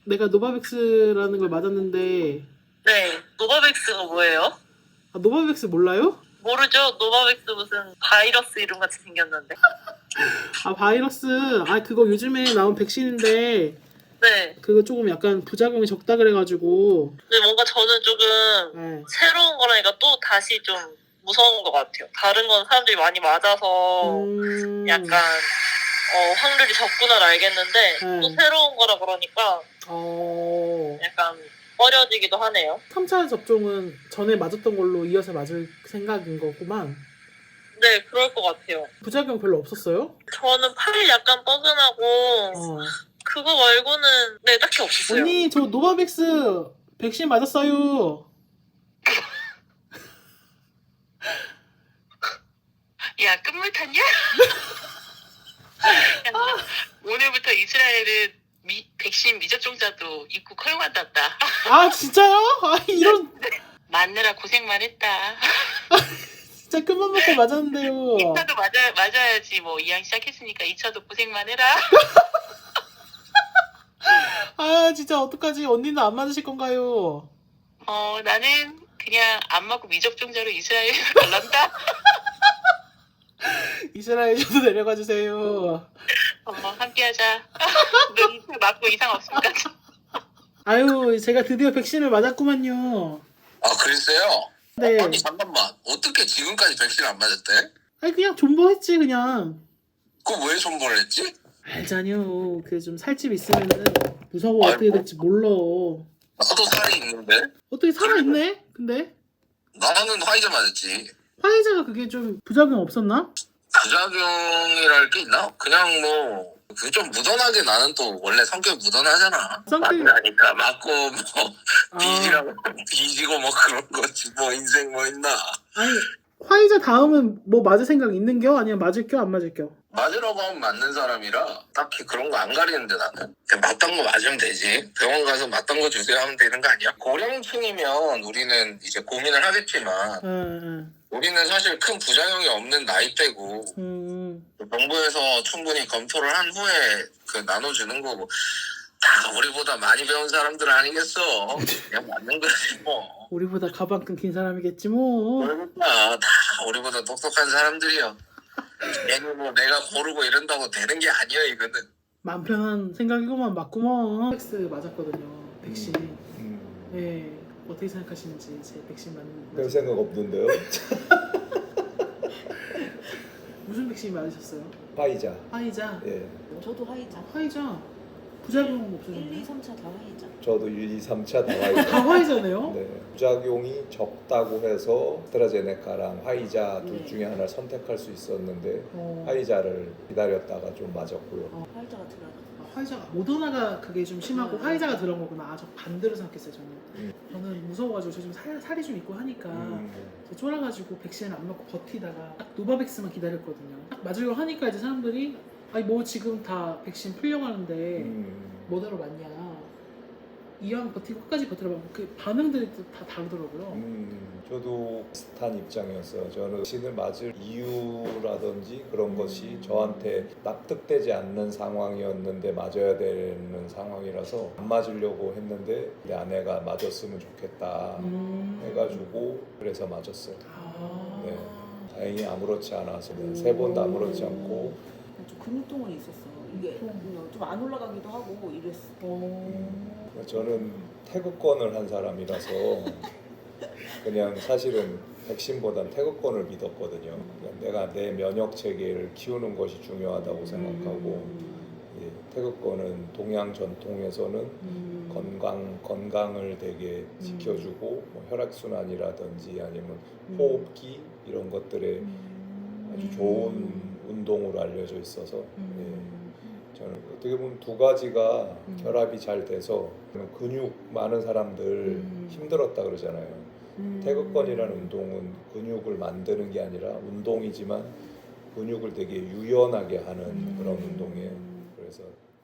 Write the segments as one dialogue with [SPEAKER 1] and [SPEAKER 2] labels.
[SPEAKER 1] 내가 노바백스라는 걸 맞았는데.
[SPEAKER 2] 네, 노바백스가 뭐예요?
[SPEAKER 1] 아, 노바백스 몰라요?
[SPEAKER 2] 모르죠? 노바백스 무슨 바이러스 이름 같이 생겼는데.
[SPEAKER 1] 아, 바이러스. 아, 그거 요즘에 나온 백신인데
[SPEAKER 2] 네.
[SPEAKER 1] 그거 조금 약간 부작용이 적다 그래가지고.
[SPEAKER 2] 근데 뭔가 저는 조금
[SPEAKER 1] 네.
[SPEAKER 2] 새로운 거라니까 또 다시 좀 무서운 것 같아요. 다른 건 사람들이 많이 맞아서 약간 확률이 적구나 알겠는데
[SPEAKER 1] 네.
[SPEAKER 2] 또 새로운 거라 그러니까 약간 꺼려지기도 하네요.
[SPEAKER 1] 3차 접종은 전에 맞았던 걸로 이어서 맞을 생각인 거구만.
[SPEAKER 2] 네, 그럴 것 같아요.
[SPEAKER 1] 부작용 별로 없었어요?
[SPEAKER 2] 저는 팔이 약간 뻐근하고 그거 말고는 네, 딱히 없었어요.
[SPEAKER 1] 언니, 저 노바백스 백신 맞았어요.
[SPEAKER 2] 야, 끝물 탔냐? 오늘부터 이스라엘은 백신 미접종자도 입국 허용한단다.
[SPEAKER 1] 아, 진짜요? 아, 이런.
[SPEAKER 2] 맞느라 고생만 했다.
[SPEAKER 1] 진짜 큰맘 먹고 맞았는데요.
[SPEAKER 2] 2차도 맞아야지. 뭐 이왕 시작했으니까 2차도 고생만 해라.
[SPEAKER 1] 아, 진짜 어떡하지? 언니는 안 맞으실 건가요?
[SPEAKER 2] 나는 그냥 안 맞고 미접종자로 이스라엘 갈란다.
[SPEAKER 1] 이스라엘 저도 내려가 주세요.
[SPEAKER 2] 함께하자. 너 맞고 이상 없습니까?
[SPEAKER 1] 아유, 제가 드디어 백신을 맞았구만요.
[SPEAKER 3] 아, 그랬어요?
[SPEAKER 1] 네.
[SPEAKER 3] 아니, 잠깐만. 어떻게 지금까지 백신 안 맞았대?
[SPEAKER 1] 아니, 그냥 존버했지, 그냥.
[SPEAKER 3] 그거 왜 손보를 했지?
[SPEAKER 1] 알잖요. 그 좀 살집 있으면은 무서워.
[SPEAKER 3] 아이고.
[SPEAKER 1] 어떻게 될지 몰라.
[SPEAKER 3] 나도 살이 있는데?
[SPEAKER 1] 어떻게 살아있네? 근데
[SPEAKER 3] 나는 화이자 맞았지.
[SPEAKER 1] 화이자가 그게 좀 부작용 없었나?
[SPEAKER 3] 부작용이랄 게 있나? 그냥 뭐, 그 좀 무던하게 나는 또 원래 성격 무던하잖아. 맞으니까 맞고 뭐, 비지고 뭐 그런 거지. 뭐 인생 뭐 있나.
[SPEAKER 1] 아니, 화이자 다음은 뭐 맞을 생각 있는겨? 아니면 맞을겨? 안 맞을겨?
[SPEAKER 3] 맞으라고 하면 맞는 사람이라 딱히 그런 거 안 가리는데 나는 그냥 맞던 거 맞으면 되지. 병원 가서 맞던 거 주세요 하면 되는 거 아니야? 고령층이면 우리는 이제 고민을 하겠지만 우리는 사실 큰 부작용이 없는 나이대고 정부에서 충분히 검토를 한 후에 그 나눠주는 거고 다 우리보다 많이 배운 사람들 아니겠어. 그냥 맞는 거지 뭐.
[SPEAKER 1] 우리보다 가방 끊긴 사람이겠지 뭐.
[SPEAKER 3] 그러니까 다 우리보다 똑똑한 사람들이야. 얘는 뭐 내가 고르고 이런다고 되는 게 아니야 이거는.
[SPEAKER 1] 맘 편한 생각이고만 맞구먼. 백스 맞았거든요. 백신. 네. 어떻게 생각하시는지 제 백신 맞는
[SPEAKER 4] 별 생각 없는데요.
[SPEAKER 1] 무슨 백신 맞으셨어요?
[SPEAKER 4] 화이자.
[SPEAKER 1] 화이자.
[SPEAKER 4] 예.
[SPEAKER 5] 저도 화이자.
[SPEAKER 1] 화이자. 부작용
[SPEAKER 5] 1,
[SPEAKER 1] 없으셨나요?
[SPEAKER 5] 2, 3차 다 화이자.
[SPEAKER 4] 저도 1, 2, 3차 다 화이자.
[SPEAKER 1] 다 화이자네요?
[SPEAKER 4] 네. 부작용이 적다고 해서 아스트라제네카랑 화이자 둘
[SPEAKER 5] 네.
[SPEAKER 4] 중에 하나를 선택할 수 있었는데 화이자를 기다렸다가 좀 맞았고요.
[SPEAKER 5] 화이자가 들어가.
[SPEAKER 1] 화이자가 모더나가 그게 좀 심하고 화이자가 들어온 거구나. 아, 저 반대로 생각했어요 저는. 저는 무서워가지고 저 좀 살이 좀 있고 하니까 저 쫄아가지고 백신을 안 맞고 버티다가 딱 노바백스만 기다렸거든요. 딱 맞으려고 하니까 이제 사람들이 아니 뭐 지금 다 백신 풀려고 하는데 뭐하러 맞냐. 이왕 버티고 끝까지 버티라고 그 반응들이 다 다르더라고요.
[SPEAKER 4] 저도 비슷한 입장이었어요. 저는 백신을 맞을 이유라든지 그런 것이 저한테 납득되지 않는 상황이었는데 맞아야 되는 상황이라서 안 맞으려고 했는데 내 아내가 맞았으면 좋겠다 해가지고 그래서 맞았어요. 네. 다행히 아무렇지 않아서 3번도 아무렇지 않고.
[SPEAKER 5] 좀 근육통은 있었어. 이게 좀 안 올라가기도 하고 이랬어.
[SPEAKER 4] 저는 태극권을 한 사람이라서 그냥 사실은 백신보단 태극권을 믿었거든요. 내가 내 면역 체계를 키우는 것이 중요하다고 생각하고 태극권은 동양 전통에서는 건강을 되게 지켜주고 뭐 혈액순환이라든지 아니면 호흡기 이런 것들에 아주 좋은 운동으로 알려져 있어서 저는 어떻게 보면 두 가지가 결합이 잘 돼서 근육 많은 사람들 힘들었다 그러잖아요. 태극권이라는 운동은 근육을 만드는 게 아니라 운동이지만 근육을 되게 유연하게 하는 그런 운동이에요. 그래서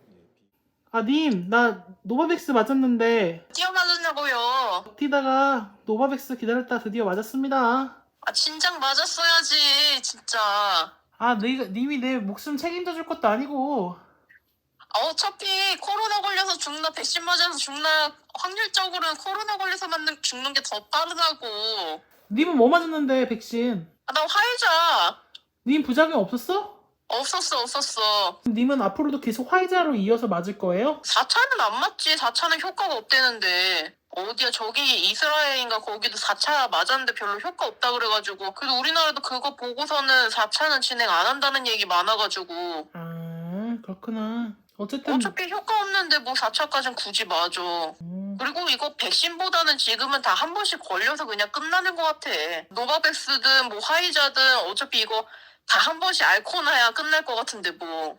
[SPEAKER 1] 님, 나 노바백스 맞았는데
[SPEAKER 2] 뛰어 맞았냐고요?
[SPEAKER 1] 버티다가 노바백스 기다렸다 드디어 맞았습니다.
[SPEAKER 2] 진작 맞았어야지 진짜.
[SPEAKER 1] 님이 내 목숨 책임져 줄 것도 아니고.
[SPEAKER 2] 어차피 코로나 걸려서 죽나 백신 맞아서 확률적으로는 코로나 걸려서 죽는 게 더 빠르다고.
[SPEAKER 1] 님은 뭐 맞았는데 백신?
[SPEAKER 2] 아, 나 화이자.
[SPEAKER 1] 님 부작용 없었어?
[SPEAKER 2] 없었어.
[SPEAKER 1] 님은 앞으로도 계속 화이자로 이어서 맞을 거예요?
[SPEAKER 2] 4차는 안 맞지. 4차는 효과가 없대는데. 어디야, 저기 이스라엘인가 거기도 4차 맞았는데 별로 효과 없다 그래가지고. 그래도 우리나라도 그거 보고서는 4차는 진행 안 한다는 얘기 많아가지고.
[SPEAKER 1] 아, 그렇구나. 어쨌든
[SPEAKER 2] 어차피 효과 없는데 뭐 4차까지는 굳이 맞아. 그리고 이거 백신보다는 지금은 다 한 번씩 걸려서 그냥 끝나는 것 같아. 노바백스든 뭐 화이자든 어차피 이거 다 한 번씩 앓고 나야 끝날 것 같은데 뭐.